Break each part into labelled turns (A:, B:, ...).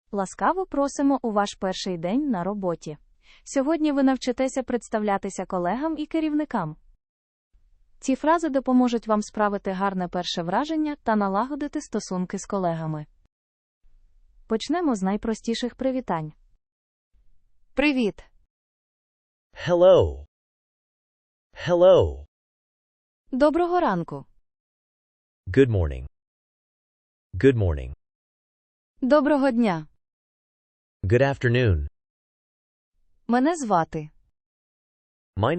A: Ласкаво просимо у ваш перший день на роботі. Сьогодні ви навчитеся представлятися колегам і керівникам. Ці фрази допоможуть вам справити гарне перше враження та налагодити стосунки з колегами. Почнемо з найпростіших привітань. Привіт!
B: Hello. Hello.
A: Доброго ранку!
B: Good morning. Good morning.
A: Доброго дня!
B: Good afternoon.
A: Мене звати.
B: My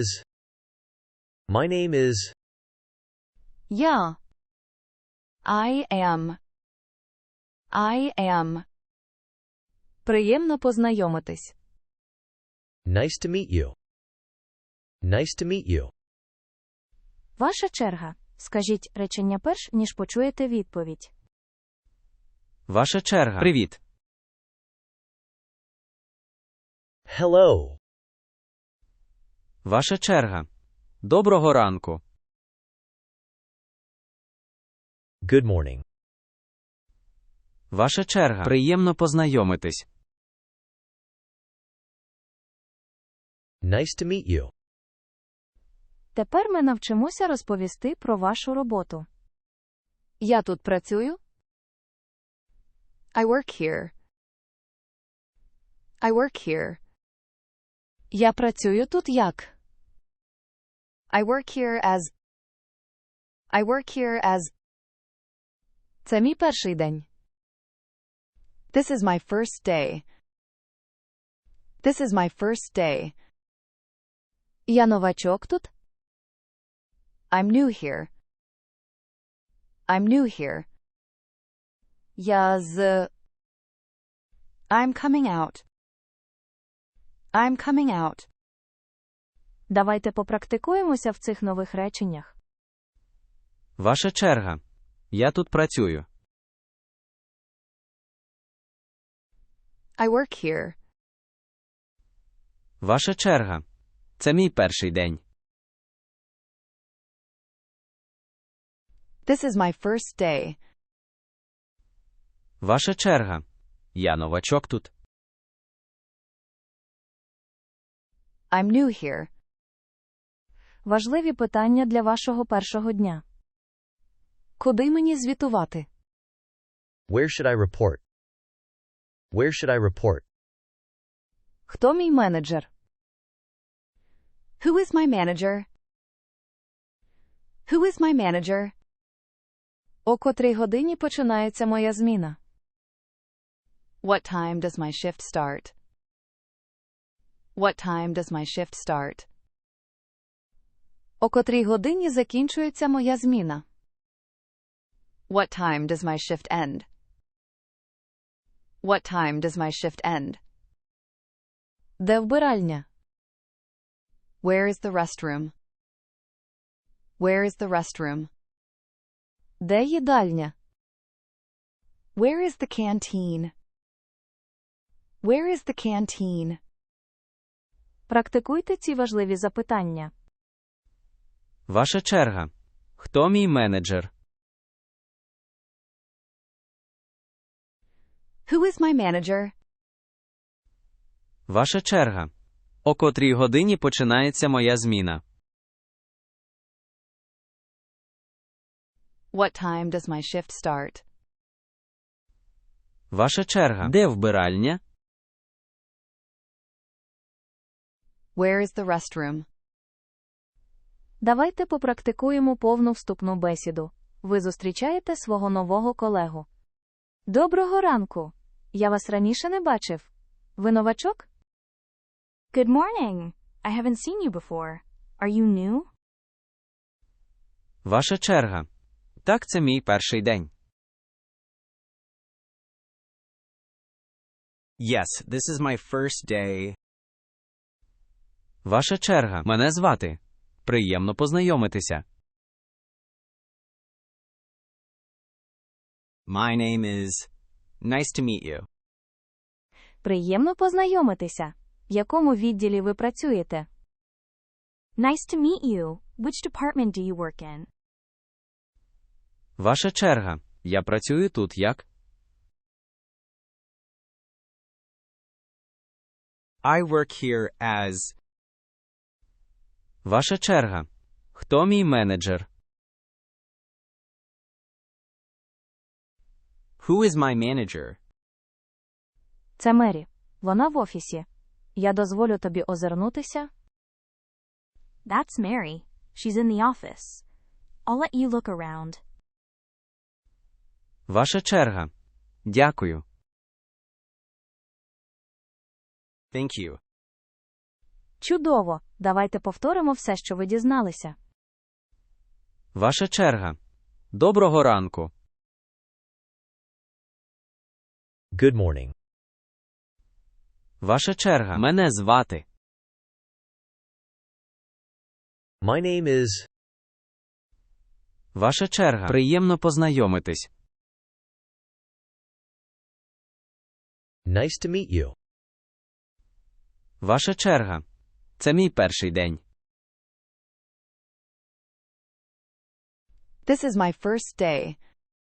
B: name is.
A: Я. I am. Приємно познайомитись.
B: Nice to meet you. Nice to meet you.
A: Ваша черга. Скажіть речення перш, ніж почуєте відповідь.
C: Ваша черга. Привіт.
B: Hello.
C: Ваша черга. Доброго ранку.
B: Good morning.
C: Ваша черга. Приємно познайомитись.
B: Nice to meet you.
A: Тепер ми навчимося розповісти про вашу роботу. Я тут працюю.
D: I work here. I work here.
A: Я працюю тут як.
D: I work here as. I work here as.
A: Це мій перший день.
D: This is my first day. This is my first day.
A: Я новачок тут.
D: I'm new here. I'm new here.
A: Я з.
D: I'm coming out. I'm coming out.
A: Давайте попрактикуємося в цих нових реченнях.
C: Ваша черга. Я тут працюю.
D: I work here.
C: Ваша черга. Це мій перший день.
D: This is my first day.
C: Ваша черга. Я новачок тут.
D: I'm new here.
A: Важливі питання для вашого першого дня. Куди мені звітувати?
B: Where should I report? Where should I report?
A: Хто мій менеджер?
D: Who is my manager? Who is my manager?
A: О котрій годині починається моя зміна?
D: What time does my shift start? What time does my shift start?
A: О котрій годині закінчується моя зміна?
D: What time does my shift end? What time does my shift end?
A: Де вбиральня?
D: Where is the restroom? Where is the restroom?
A: Де їдальня?
D: Where is the canteen? Where is the canteen?
A: Практикуйте ці важливі запитання.
C: Ваша черга. Хто мій менеджер?
D: Who is my manager?
C: Ваша черга. О котрій годині починається моя зміна?
D: What time does my shift start?
C: Ваша черга. Де вбиральня?
D: Where is the restroom?
A: Давайте попрактикуємо повну вступну бесіду. Ви зустрічаєте свого нового колегу. Доброго ранку! Я вас раніше не бачив. Ви новачок? Good morning. I haven't seen you before. Are you new?
C: Ваша черга. Так, це мій перший день.
E: Yes, this is my first day.
C: Ваша черга. Мене звати. Приємно познайомитися.
E: My name is. Nice to meet you.
A: Приємно познайомитися. В якому відділі ви працюєте? Nice to meet you. Which department do you work in?
C: Ваша черга. Я працюю тут як?
E: I work here as.
C: Ваша черга. Хто мій менеджер?
E: Who is my manager?
A: Це Мері. Вона в офісі. Я дозволю тобі озирнутися.
F: That's Mary. She's in the office. I'll let you look around.
C: Ваша черга. Дякую.
E: Thank you.
A: Чудово! Давайте повторимо все, що ви дізналися.
C: Ваша черга. Доброго ранку.
B: Good morning.
C: Ваша черга. Мене звати.
B: My name is.
C: Ваша черга. Приємно познайомитись.
B: Nice to meet you.
C: Ваша черга. Це мій перший день.
D: This is my first day.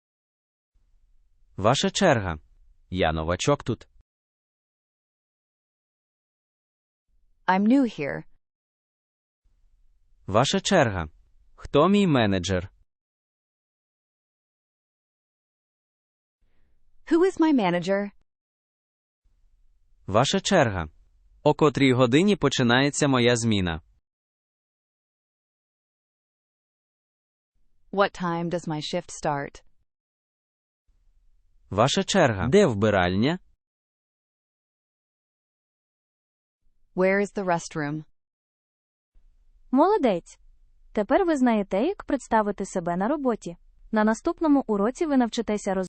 C: Ваша черга. Я новачок тут.
D: I'm new here.
C: Ваша черга. Хто мій менеджер?
D: Who is my manager?
C: Ваша черга. О котрій годині починається моя зміна?
D: What time does my shift start?
C: Ваша черга. Де вбиральня?
D: Where is the restroom?
A: Молодець! Тепер ви знаєте, як представити себе на роботі. На наступному уроці ви навчитеся